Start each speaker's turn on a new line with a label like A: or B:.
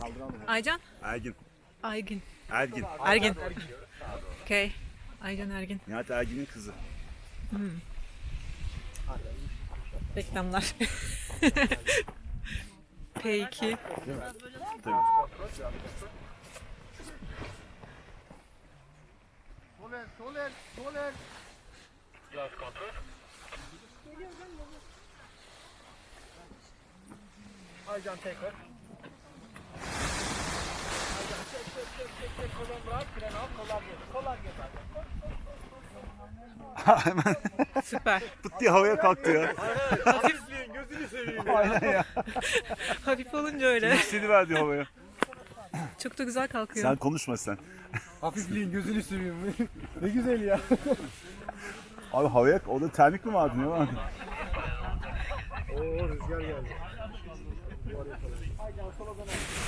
A: Aycan?
B: Ergin.
A: Aygün.
B: Ergin.
A: Ergin. Okay. Aycan Ergin.
B: Nihat Ergin'in kızı.
A: Reklamlar. Peki.
B: Tabii.
C: Sol el. Aycan tekrar. Aycan çek. Kolon bırak. Fren al. Kollar gel.
B: Hemen
A: Süper.
B: pıt diye havaya kalktı ya.
C: Hafifliğin gözünü seveyim ya.
B: Aynen ya.
A: Hafif olunca öyle.
B: Yükseliverdi havaya.
A: Çok da güzel kalkıyor.
B: Sen konuşma sen.
C: Hafifliğin gözünü seveyim. Ne güzel ya.
B: Abi havaya, o da termik mi vardı, ne vardı?
C: Oo rüzgar geldi. Aycan sola dön.